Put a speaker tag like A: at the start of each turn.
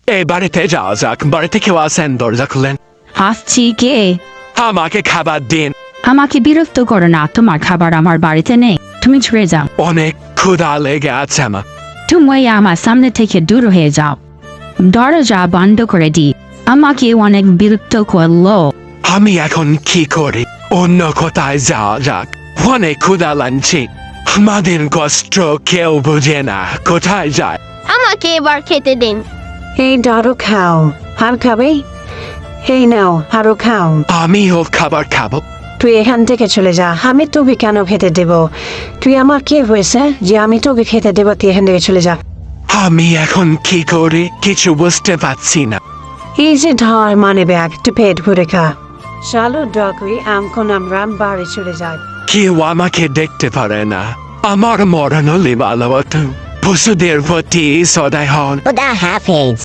A: এই বাড়িতে যাওয়া যাক। বাড়িতে কেউ আছেন? দরজা খুলেন।
B: আসছি কে?
A: আমাকে খাবার দিন।
B: আমাকে বিরক্ত করো না, তোমার খাবার আমার বাড়িতে নেই, তুমি ছুড়ে যাও।
A: অনেক ক্ষুধা লেগে আছে আমার।
B: তুমি আমার সামনে থেকে দূর হয়ে যাও। দরজা বন্ধ করে দি। আমাকে অনেক বিরক্ত করলো।
A: আমি এখন কি করি? অন্য কোথায় যাওয়া যাক। অনেক ক্ষুধা লাগছে। আমাদের কষ্ট কেউ বুঝে না। কোথায় যায়?
C: আমাকে এবার খেতে দিন।
D: এই আরো খাও। আর খাবে? এই নাও আরো খাও।
A: আমিও খাবার খাবো।
D: তুই এখান থেকে চলে যা। আমি তোকে কেন খেতে দেব? তুই আমার কে হয়েছে যে আমি তোকে খেতে দেব? তুই এখান থেকে চলে যা।
A: আমি এখন কি করি কিছু বুঝতে পারছি না।
D: এই যে ধর মানে ব্যাগ, একটু পেট ভরে খা। চলো ডকুই, এখন আমরা বাড়ি চলে যাই।
A: কেউ আমাকে দেখতে পারে না। আমার মরণ হলে ভালো হতো। পশুদের প্রতি সদয় হন।
E: খুদা হাফেজ।